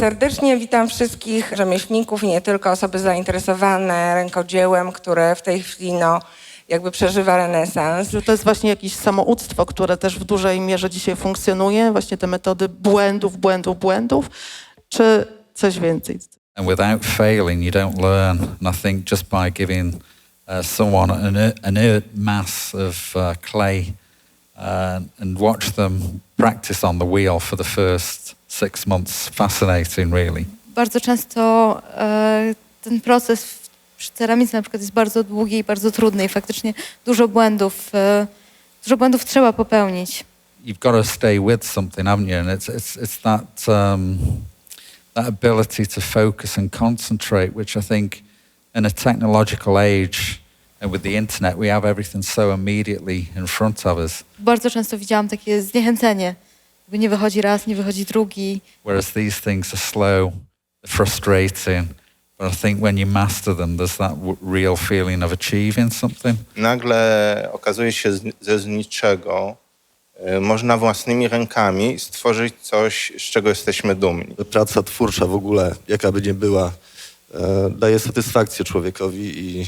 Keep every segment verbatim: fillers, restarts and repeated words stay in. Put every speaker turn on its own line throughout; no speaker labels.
serdecznie. Witam wszystkich rzemieślników i nie tylko, osoby zainteresowane rękodziełem, które w tej chwili no, jakby przeżywa renesans.
Że to jest właśnie jakieś samouctwo, które też w dużej mierze dzisiaj funkcjonuje, właśnie te metody błędów, błędów, błędów, czy coś więcej?
And without failing, you don't learn. And I think just by giving uh, someone an, an inert mass of uh, clay uh, and watch them practice on the wheel for the first six months, fascinating, really.
Bardzo często e, ten proces w, przy ceramice na przykład jest bardzo długi i bardzo trudny i faktycznie dużo błędów, e, dużo błędów trzeba popełnić.
You've got to stay with something, haven't you? And it's it's it's that um, that ability to focus and concentrate, which I think, in a technological age and with the internet, we have everything so immediately in front of us.
Bardzo często widziałam takie zniechęcenie, jakby nie wychodzi raz, nie wychodzi drugi.
Whereas these things are slow, frustrating, but I think when you master them, there's that w- real feeling of achieving something.
Nagle okazuje się z- ze z niczego y, można własnymi rękami stworzyć coś, z czego jesteśmy dumni.
Praca twórcza w ogóle, jaka by nie była, e, daje satysfakcję człowiekowi i,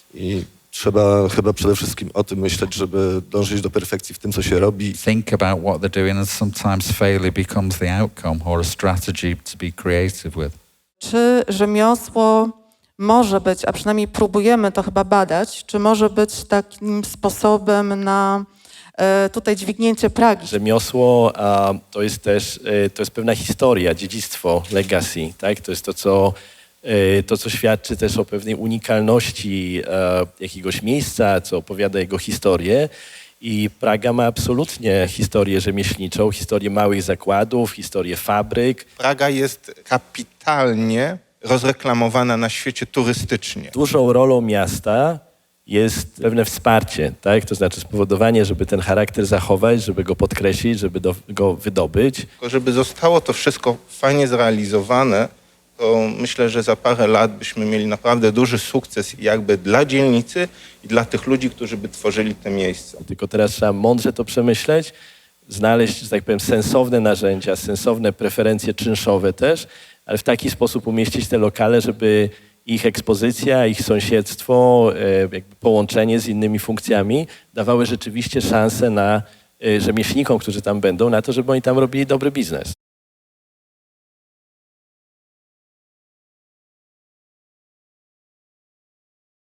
i trzeba chyba przede wszystkim o tym myśleć, żeby dążyć do perfekcji w tym, co się robi.
Think about what they're doing, and sometimes failure becomes the outcome or a strategy to be creative with.
Czy rzemiosło może być, a przynajmniej próbujemy to chyba badać, czy może być takim sposobem na e, tutaj dźwignięcie pragi?
Rzemiosło a, to jest też e, to jest pewna historia, dziedzictwo, legacy, tak? To jest to, co, e, to, co świadczy też o pewnej unikalności e, jakiegoś miejsca, co opowiada jego historię. I Praga ma absolutnie historię rzemieślniczą, historię małych zakładów, historię fabryk.
Praga jest kapitalnie rozreklamowana na świecie turystycznie.
Dużą rolą miasta jest pewne wsparcie, tak? To znaczy spowodowanie, żeby ten charakter zachować, żeby go podkreślić, żeby do, go wydobyć.
Tylko żeby zostało to wszystko fajnie zrealizowane, to myślę, że za parę lat byśmy mieli naprawdę duży sukces jakby dla dzielnicy i dla tych ludzi, którzy by tworzyli te miejsca.
Tylko teraz trzeba mądrze to przemyśleć, znaleźć, że tak powiem, sensowne narzędzia, sensowne preferencje czynszowe też, ale w taki sposób umieścić te lokale, żeby ich ekspozycja, ich sąsiedztwo, e, jakby połączenie z innymi funkcjami dawały rzeczywiście szansę na e, rzemieślnikom, którzy tam będą, na to, żeby oni tam robili dobry biznes.